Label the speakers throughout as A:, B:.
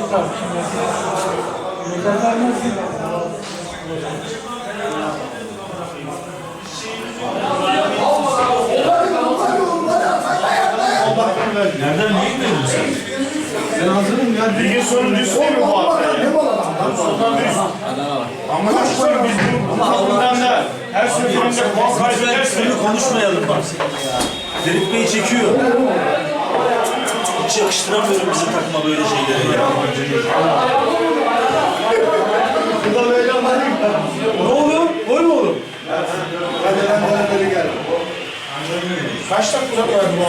A: Nereden neyi verdin sen?
B: Ben hazırım ya.
C: Ligin sonuncusu değil mi bu hafta? Ama sonra biz bu takımdan da her seferinde puan kaybedersek
A: Konuşmayalım bak. Ferit Bey çekiyor. Hiç yakıştıramıyorum bizim takıma böyle şeyleri ya. Ne oluyor? Gol mü olur?
B: Hadi gel.
C: kaç dakika var bu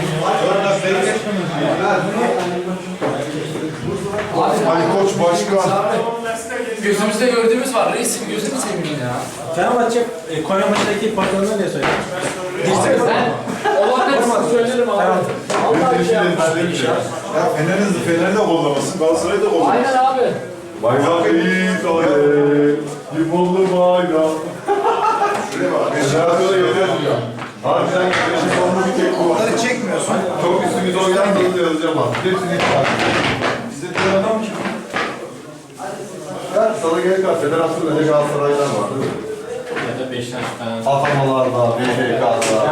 B: Ali Koç başkan.
D: Gözümüzde gördüğümüz var. Reisim gözünü seveyim ya.
E: Fenerbahçe Konya maçındaki patronuna ne söyledi?
D: Olanları size söylerim abi.
B: Ya Fener'in de kollamasın, Galatasaray'ı da kollamasın.
D: Aynen abi.
B: Bayrak eğit ayet, limonlu bayrak. Şuraya bak, Federasyon'a yazıyor. Harbiden güneşin sonunu bir tek bu. Onları çekmiyorsun. Çok üstümüze oynar da yazacağım abi. Hepsini iptal. Bizde bir adam ki. Ya sana gerek var, Federasyon'da ne Galatasaray'dan var değil mi?
D: Ya da Beşiktaş falan.
B: Atamalarda, BHK'da.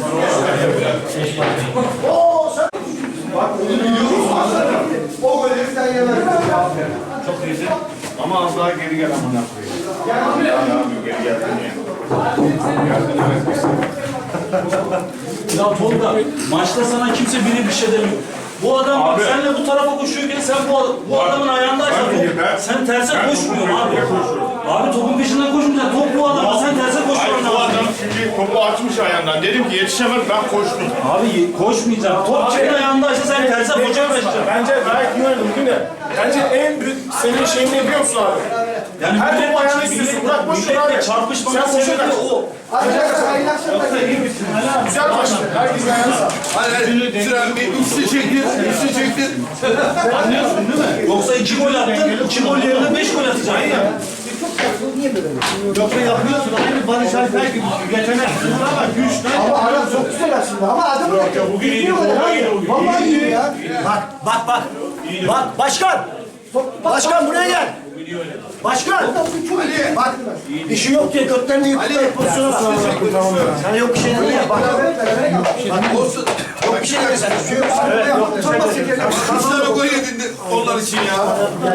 B: Bak bunu biliyoruz. O golleri sen yemezsin.
C: Çok iyiydi. Ama az daha geri gel amına koyayım. Abi geri geldin ya. Geldin evet.
A: Ya Tolga, maçta sana kimse bir şey demiyor. Bu adam bak
C: Abi.
A: senle bu tarafa koşuyorken sen bu adamın ayağındaysan sen terse koşmuyorsun abi. Abi topun peşinden koşmayacaksın. Top bu adama sen terse
C: Hayır
A: koşman
C: bu
A: lazım.
C: adam çünkü topu açmış ayağından. Dedim ki yetişemez ben koştum.
A: Abi koşmayacaksın. Top kimin ayağındaysa sen terse koşamayacaksın.
C: Bence gayet iyi oynadı bugün de. Bence en büyük senin şeyin ne biliyor musun abi?
A: Yani
C: Her topu ayağına istiyorsun. Bırak boş ver abi.
A: Çarpışmanın
C: Sen boşa
A: sebebi
C: kaç.
A: o.
C: Güzel başladı. Herkes ayağına sağ.
B: Sıra bir üstü çektir, üstü çektir.
A: Anlıyorsun değil mi? Yoksa 2 gol attın, 2 gol yerine 5 gol atacaksın.
E: Yoksa yapıyorsun aynı Barış Alper gibi yeteneksin ama güçten.
F: Ama adam çok güzel aslında ama adam
C: Bugün iyi.
F: vallahi iyi ya.
E: Bak başkan. Başkan buraya gel. Başkan. Bak işi yok diye götlerini yıktılar pozisyona bak. Sana yok bir şey değil ya bak.
B: Olsun.
E: Yok bir şey değil sen. Şu yok.
B: Kaç tane gol yedin onlar için ya?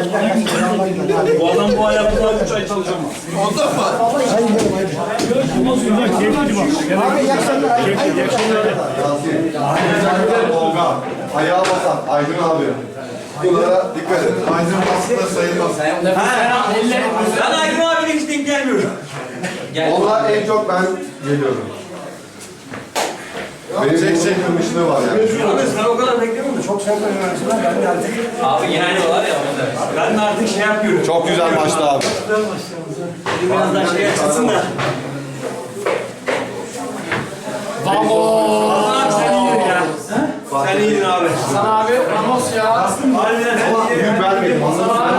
A: Bu adam bu ayakkabıdan 3 ay çalışamaz.
B: Ondan mı?
F: Abi iyi akşamlar.
B: Tolga, ayağa basan Aydın abi. Bunlara dikkat et. Aydın aslında sayılmaz.
A: Ben Aydın abiyle hiç denk gelmiyorum.
B: Onlar en çok ben geliyorum. Benim tek kırmışlığı var yani.
E: Ben o kadar beklemiyordum. Çok sert oynamışlar. Ben de artık.
D: Abi yeniliyorlar ya o yüzden.
A: Ben de artık şey yapıyorum.
B: Çok güzel maçtı abi.
A: Biraz daha şey açılsın da.
D: Vamos!
A: Sen iyiydin ya. Sen iyiydin abi.
D: Hasan abi, Ramos ya.
A: Harbiden sen iyiydin.
B: Büyük vermeyin.